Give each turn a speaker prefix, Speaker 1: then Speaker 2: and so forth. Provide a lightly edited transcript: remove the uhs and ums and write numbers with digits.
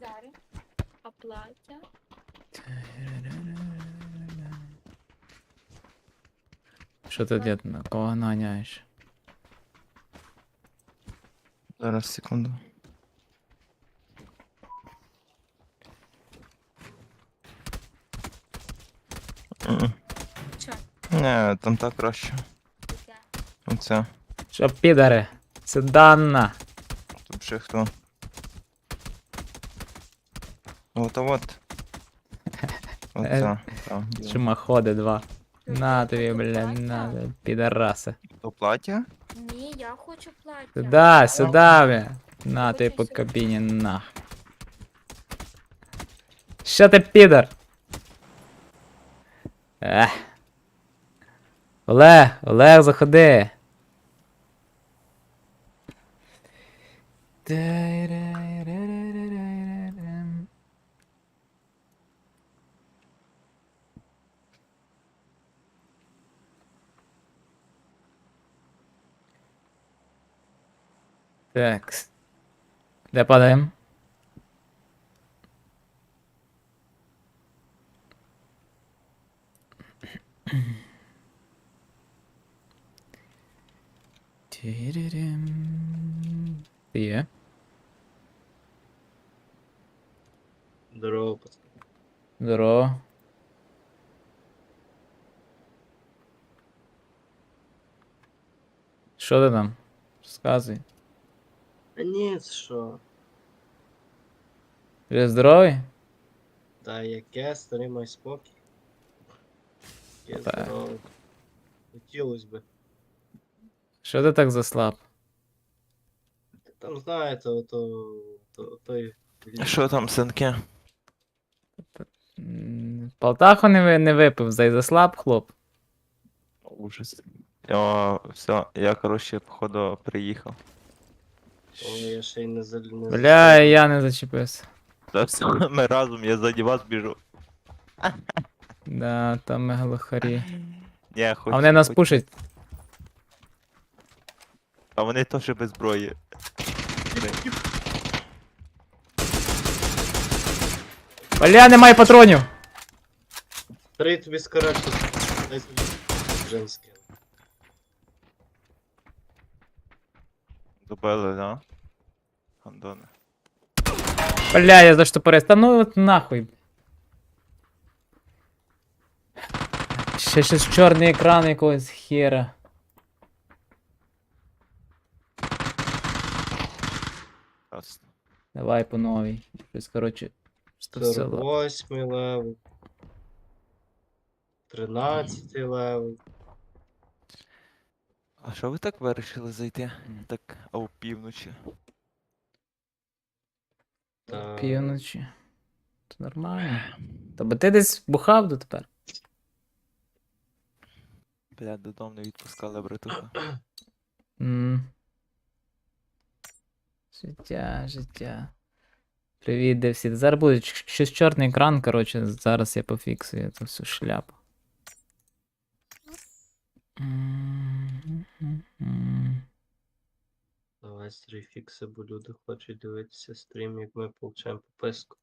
Speaker 1: Зараз. А плаття?
Speaker 2: Що ти, дід, на кого наганяєш?
Speaker 3: Зараз, секунду. М.
Speaker 1: Чо?
Speaker 3: Не, там так краще.
Speaker 1: Таке?
Speaker 3: Оце.
Speaker 2: Що, підари? Седанна.
Speaker 3: Тут ще хто. От, а от. Оце. Там.
Speaker 2: Шумоходи два. На тобі, бля, на тобі, підараси.
Speaker 3: То плаття?
Speaker 1: Ні, я хочу плаття.
Speaker 2: Сюда, сюда, бля. На
Speaker 1: Хочу
Speaker 2: тобі по
Speaker 1: сюди.
Speaker 2: кабіні, нах. Що ти, підар? Ех. Олег, заходи. Так. Де падаємо? Ти є?
Speaker 4: Здорово, пацан.
Speaker 2: Здорово. Що ти там? Розказуй.
Speaker 4: А ні, що?
Speaker 2: Ти здоровий?
Speaker 4: Та яке, старий май спокій. Яке
Speaker 2: Так.
Speaker 4: здорове. Хотілось би.
Speaker 2: Що ти так заслаб?
Speaker 4: Там знаєте, той.
Speaker 3: Що там, синки?
Speaker 2: Полтаху не випив, заслаб, хлоп.
Speaker 3: Ужас. О, все, я, коротше, походу, приїхав.
Speaker 4: О, я ще й не
Speaker 2: Бля, я не зачепився.
Speaker 3: Та все, ми разом, я ззаді вас біжу.
Speaker 2: Да, там ми глухарі.
Speaker 3: Ні,
Speaker 2: А вони нас пушать.
Speaker 3: А вони теж без зброї.
Speaker 2: Бля, немає патронів!
Speaker 4: Старий тобі скоротше. Дай собі женське.
Speaker 3: Добили, да? Гандони.
Speaker 2: Бля, я заштопорився. Та ну от нахуй. Ще щось чорний екран якогось хера.
Speaker 3: Ясно.
Speaker 2: Давай по новій. Щось, коротше. Що все.
Speaker 4: 48 левел. 13 левел.
Speaker 3: А що ви так вирішили зайти? Так, а у півночі.
Speaker 4: Та...
Speaker 2: Півночі. Це нормально. Та бо ти десь бухав дотепер.
Speaker 3: Блядь, додому не відпускали, братуха.
Speaker 2: Життя. Привіт, де всі. Зараз буде щось чорний екран, коротше, зараз я пофіксую цю всю шляпу.
Speaker 4: Давай стрій фікси, бо люди хочуть дивитися стрім, як ми получаємо пописку.